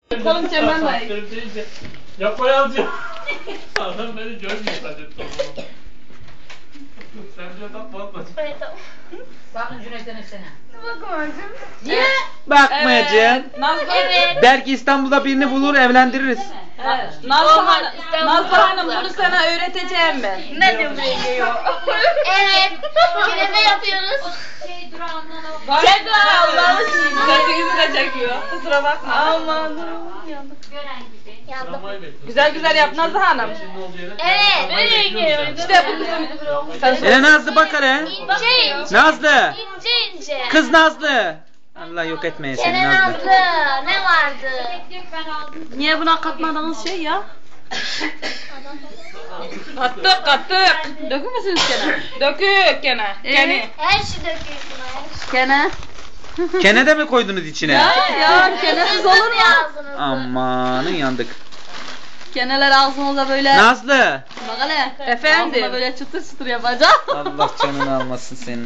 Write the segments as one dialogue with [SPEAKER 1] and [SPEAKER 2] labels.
[SPEAKER 1] Kolum çemben var.
[SPEAKER 2] Yapma yazıyor. Adam beni görmüyor zaten. Sen diyor tatma.
[SPEAKER 3] Evet tamam.
[SPEAKER 4] Bakın Cüneyt'in üstüne.
[SPEAKER 3] Bakmacığım.
[SPEAKER 4] Niye?
[SPEAKER 5] Bakmayacağım.
[SPEAKER 1] Nazlı.
[SPEAKER 3] Evet.
[SPEAKER 5] Belki İstanbul'da birini bulur evlendiririz.
[SPEAKER 1] Evet. Nazlı
[SPEAKER 3] İstanbul'da
[SPEAKER 1] Hanım
[SPEAKER 3] haklı.
[SPEAKER 1] bunu sana öğreteceğim ben.
[SPEAKER 3] Ne diyor buraya geliyor? Evet. Künefe yapıyoruz. Çekme Allah'ım.
[SPEAKER 1] Sesinizi de çekiyor. Kusura bakma.
[SPEAKER 3] Aman. Yandık. Yandım.
[SPEAKER 1] Güzel güzel yap Nazlı Hanım.
[SPEAKER 3] Evet. Nereye geliyor?
[SPEAKER 1] İşte bu kızım. Sen
[SPEAKER 5] Hele Nazlı bak hele.
[SPEAKER 3] İnce ince.
[SPEAKER 5] Nazlı.
[SPEAKER 3] İnce ince.
[SPEAKER 5] Kız Nazlı. Allah yok etmeye seni
[SPEAKER 3] Kene
[SPEAKER 5] Nazlı.
[SPEAKER 3] Nazlı. Ne vardı?
[SPEAKER 1] Niye buna katmadığınız şey ya? Kattık. Dökür müsünüz gene? Dökük gene. Gene.
[SPEAKER 3] Her şey döküyorsun. Her şey.
[SPEAKER 1] Gene.
[SPEAKER 5] Kene de mi koydunuz içine?
[SPEAKER 1] Ya kenesiz olur mu?
[SPEAKER 3] Ağzınızı.
[SPEAKER 5] Amanın yandık.
[SPEAKER 1] Keneler ağzınıza böyle.
[SPEAKER 5] Nazlı.
[SPEAKER 1] Bak hele. Efendim. Ağzına böyle çıtır çıtır yapacağım.
[SPEAKER 5] Allah canını almasın senin.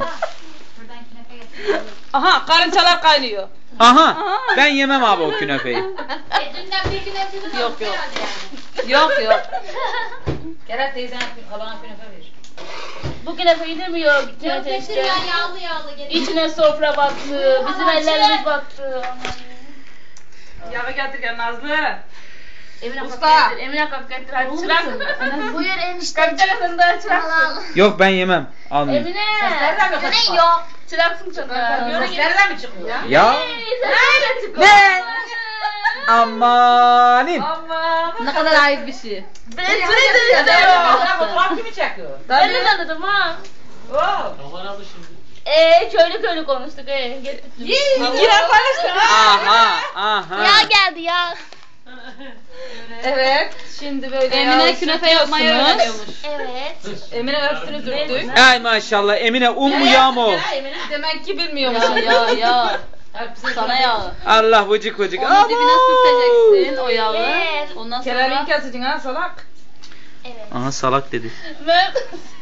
[SPEAKER 1] Aha karıncalar kaynıyor.
[SPEAKER 5] Aha. Ben yemem abi o künefeyi.
[SPEAKER 3] Dünden bir gün hepsini
[SPEAKER 1] Yok. Yok.
[SPEAKER 4] Kerem teyzene halana künefe verir.
[SPEAKER 3] Bu künefe gidemiyor. Gitmeye teşkil. Yağlı geliyor. İçine sofra battı. Bizim ellerimiz battı.
[SPEAKER 1] Yağı getir gel Nazlı.
[SPEAKER 3] Emine
[SPEAKER 1] Usta.
[SPEAKER 3] kalk getir. Emine kalk getir. Hadi çırak. Buyur enişte.
[SPEAKER 1] Kapçalasın da çırak.
[SPEAKER 5] Yok ben yemem. Almayayım.
[SPEAKER 3] Emine.
[SPEAKER 4] Seslerden mi
[SPEAKER 3] Ne
[SPEAKER 4] kaçma?
[SPEAKER 3] yok. Çıraksın çocuklar.
[SPEAKER 4] Seslerden mi çıkıyor?
[SPEAKER 5] Ya.
[SPEAKER 3] Ne?
[SPEAKER 5] Amanin.
[SPEAKER 1] Ne kadar ayıp bir şey.
[SPEAKER 3] Ben seni tanıdım.
[SPEAKER 4] Fotoğraf kimi çekiyor?
[SPEAKER 3] Ben de tanıdım ha.
[SPEAKER 2] Aman abi şimdi.
[SPEAKER 3] Köylü konuştuk. Getir.
[SPEAKER 1] Girer paylaştı.
[SPEAKER 5] Aha.
[SPEAKER 3] Ya geldi ya.
[SPEAKER 1] Evet. Şimdi böyle Emine künefe yapmayı öğreniyormuş.
[SPEAKER 3] Evet.
[SPEAKER 1] Emine öpsünü dürttük.
[SPEAKER 5] Ay maşallah Emine un mu yağ mı o?
[SPEAKER 1] Demek ki bilmiyormuş. Ya. Sana yağı.
[SPEAKER 5] Allah vıcık vıcık.
[SPEAKER 1] Onun dibine sürteceksin o yağı.
[SPEAKER 3] Evet.
[SPEAKER 1] Ondan
[SPEAKER 4] Kerem'in
[SPEAKER 1] sonra
[SPEAKER 4] keseceksin ha salak.
[SPEAKER 3] Evet.
[SPEAKER 5] Aha salak dedi.
[SPEAKER 3] Ben...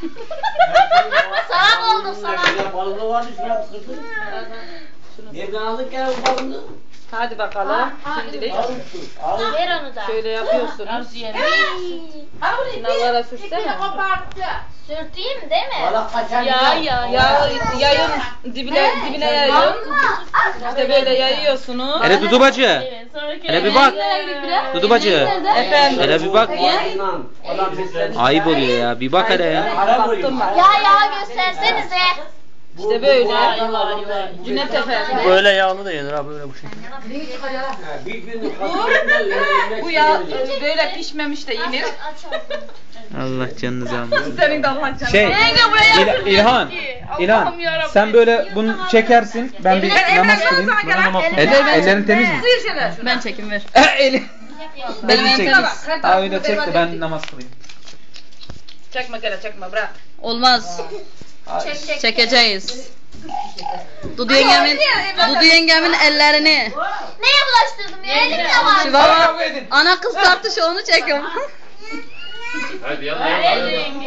[SPEAKER 3] salak oldum salak.
[SPEAKER 2] Balığı vardı şuraya kırdın. Nereden aldık ya bu balığı?
[SPEAKER 1] hadi bakalım. Şimdilik
[SPEAKER 3] Ver onu da.
[SPEAKER 1] şöyle yapıyorsunuz. Kenarlara sürsene.
[SPEAKER 3] Sürteyim değil mi?
[SPEAKER 2] Balık kaçar.
[SPEAKER 1] Yağı yayın dibine yayın. İşte böyle yayıyorsunuz.
[SPEAKER 5] Hele Dudu bacı.
[SPEAKER 3] Evet, sonra
[SPEAKER 5] Hele bir bak. Dudu bacı.
[SPEAKER 1] Efendim.
[SPEAKER 5] Hele bir bak.
[SPEAKER 2] Adam bizden.
[SPEAKER 5] Ayıp oluyor ya. Bir bak hele ya.
[SPEAKER 1] Baktım ben.
[SPEAKER 3] Ya göstersenize.
[SPEAKER 1] İşte böyle. Cüneyt Efendi.
[SPEAKER 2] Böyle yağlı da yenir ha böyle bu şekilde. Bir gün
[SPEAKER 1] Bu yağ böyle pişmemiş de yenir.
[SPEAKER 5] Allah canınızı almasın.
[SPEAKER 1] Senin de Allah canını.
[SPEAKER 5] Şey, İlhan, sen böyle bunu çekersin. Ben bir namaz kılayım. Ellerin temiz mi?
[SPEAKER 1] Ben çekim ver.
[SPEAKER 5] Eli.
[SPEAKER 1] Benim
[SPEAKER 5] Elini çek.
[SPEAKER 1] elim
[SPEAKER 5] Ha öyle çek de ben namaz kılayım.
[SPEAKER 1] Çekme gene çekme bırak.
[SPEAKER 6] Olmaz.
[SPEAKER 3] Çek.
[SPEAKER 6] Çekeceğiz. Dudu yengemin ellerini.
[SPEAKER 3] Neye bulaştırdım ya? Elimde var.
[SPEAKER 6] Şu baba ana kız tartışı onu çekiyorum.
[SPEAKER 2] Hadi yallah.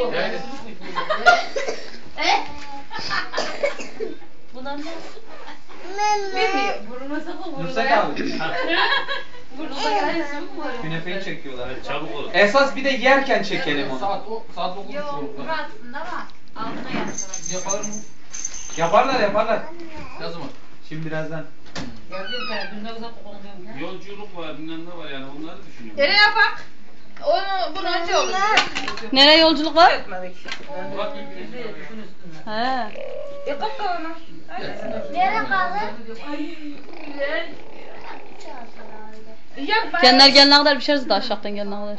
[SPEAKER 3] Bundan ne?
[SPEAKER 5] Nusret abi. Künefeyi çekiyorlar.
[SPEAKER 2] Çabuk ol.
[SPEAKER 5] Esas bir de yerken çekelim onu.
[SPEAKER 4] Saat 9.30.
[SPEAKER 3] Aslında ama altına yaptılar.
[SPEAKER 5] Yaparlar.
[SPEAKER 4] Ne zaman?
[SPEAKER 5] Şimdi birazdan.
[SPEAKER 4] Gördüğüm kadar dünden uzak konuyorum ya.
[SPEAKER 2] Yolculuk var bilmem ne var yani onları düşünüyorum.
[SPEAKER 1] Nereye yapak? Bunu önce olur.
[SPEAKER 6] Nereye yolculuk var?
[SPEAKER 1] Etmedik.
[SPEAKER 2] Bak
[SPEAKER 6] He.
[SPEAKER 1] Yapak kalanı.
[SPEAKER 3] Nereye kaldı?
[SPEAKER 1] Yap ben.
[SPEAKER 6] Kendiler gelene kadar pişeriz de aşağıdan gelene kadar.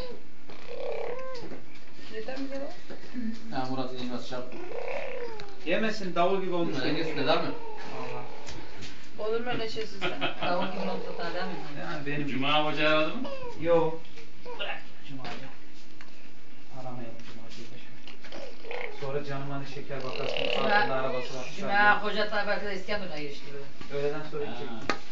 [SPEAKER 4] Ha Murat'ın yemez çarp.
[SPEAKER 5] Yemesin davul gibi olmuş.
[SPEAKER 4] Dengesinde değil mi?
[SPEAKER 1] Olur mu öyle şey sizde?
[SPEAKER 4] Tavuk gibi olsa daha değil mi?
[SPEAKER 5] Yani benim
[SPEAKER 2] Cuma hoca aradı mı?
[SPEAKER 5] Yok. Bırak Cuma'yı. Aramayalım Cuma'yı. Sonra canım hani şeker bakarsın. Altında arabası var.
[SPEAKER 4] Cuma koca tabi arkada İskenderun'a geçti böyle.
[SPEAKER 5] Öğleden sonra gidecek.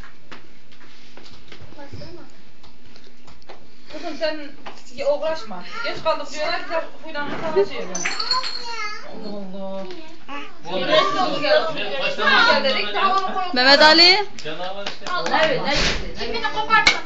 [SPEAKER 1] Kızım sen uğraşma. Geç kaldık diyorlar ki huylanma falan diyor. Allah Allah. Dedik daha onu koyup.
[SPEAKER 6] Mehmet Ali.
[SPEAKER 2] Canavar işte.
[SPEAKER 4] Evet, ne gitti?
[SPEAKER 3] İpini kopartma.